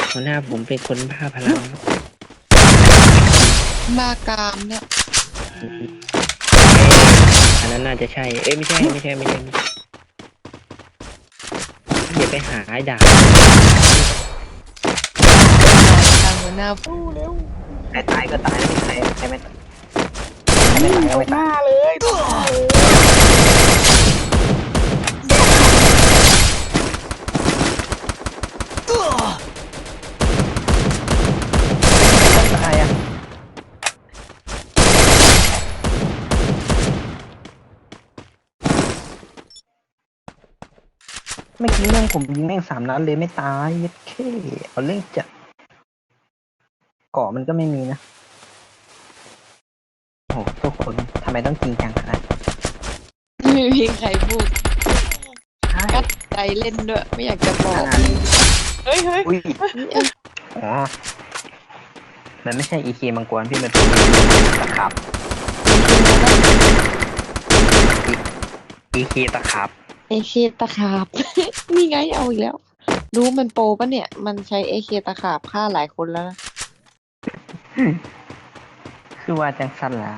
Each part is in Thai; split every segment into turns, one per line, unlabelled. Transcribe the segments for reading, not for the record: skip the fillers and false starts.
หัวหน้าผมเป็นคนบ้าพลังครับ
มากามเนี่ย
อันนั้นน่าจะใช่เอ้ยไม่ใช่อย่าไปหาไอ้ด่า
ทางหัวหน้าฟูเร็ว
ใครตายก็ตายไม่ใครไม่ตายใครไม่ตายก็ไม่ตาย
เลย
ตายอ่ะเมื่อกี้แม่งผมยิงแม่ง3 นัดเลยไม่ตายยัดเข้เอาเรื่องจัดเกาะมันก็ไม่มีนะโอ้โหทุกคนทำไมต้องจริงจังขนาดนั้น
ไม่มีใครพูด
ใช่
กัดใจเล่นด้วย ไม่อยากจะบอก เฮ้ย
อุ้ยอ๋อมันไม่ใช่อีเคมังกรพี่มันเป็นตะขับอีเคตะขับ
เอเคตะขาบ นี่ไงเอาอีกแล้ว รู้มันโปรปะเนี่ย มันใช้เอเคตะขาบฆ่าหลายคนแล้วนะ
คือว่าจังสั้นแล้ว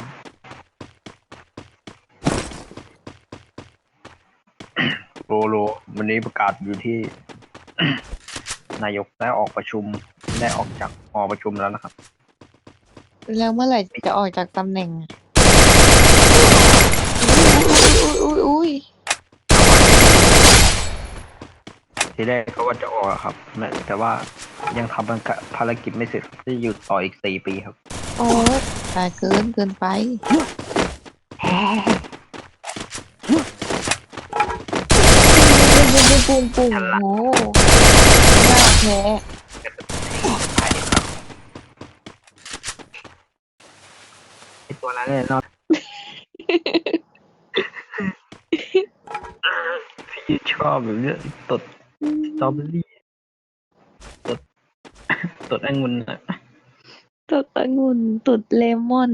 โลวันนี้ประกาศอยู่ที่ นายกได้ออกประชุมได้ออกจากหอประชุมแล้วนะครับ
แล้วเมื่อไหร่จะออกจากตำแหน่งอะอุ้ย
ทีแรกเขาว่าจะออกอะครับแต่ว่ายังทำภารกิจไม่เสร็จจะอยู่ต่ออีก4 ปีครับ
โอ้ยตายเกินไปปุ้งโอ้หน้าแพ้
ไอตัวนั้นเนี่ยเนาะ พี่ชอบแบบเนี้ยตดสตรอเบอรี่ตดองุ่นอะ
ตุดองุ่นตุดเลมอน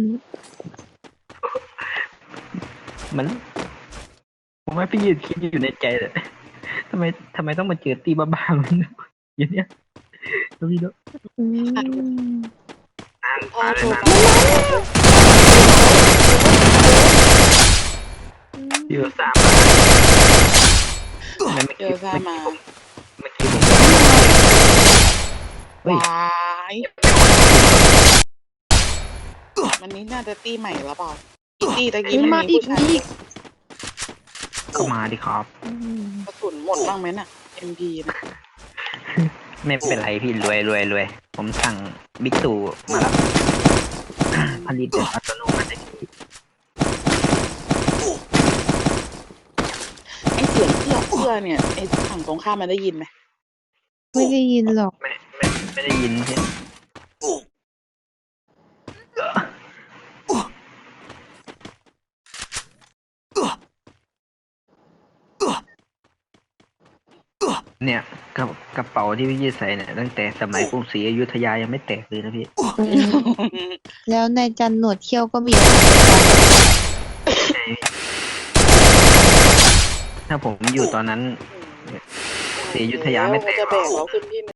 มันผมว่าพี่ยืนคิดอยู่ในใจเลยทำไมต้องมาเจอตีบ้าๆมันอย่างเนี้ยแล้วพี่เนาะ
อืม
พาเลยนะเดี๋ยวสามเมื่อกี้ผมเฮ้ยว
ายมันนี้น่าจะตีใหม่แล้วเปล่าตีตะกี้
มา
มัน
อี
มี
ก
ผู้ชาย
อีก
ก็มาดิครับ
กระสุนหมดบ้างไหมน่ะ MP นะ
ไม่เป็นไรพี่รวยผมสั่งบิ๊กตู่มารับผลิตแบบอัตโนมัติ
ไอเสียงเอื้อเนี่ยไอฝั่งตรงข้ามมันได้ยินไหม
ไม่ได้ยินหรอก
ไม่ได้ยินใช่ไหมเนี่ยกระเป๋าที่พี่ยืดใส่เนี่ยตั้งแต่สมัยกรุงศรีอยุธยายังไม่แตกเลยนะพี่
แล้วนายจันหนวดเขี้ยวก็มี
ถ้าผมอยู่ตอนนั้นกรุงศรีอยุธยาไม่แตก
จะ
ห
แบ
รอก
กเราขึ้นที่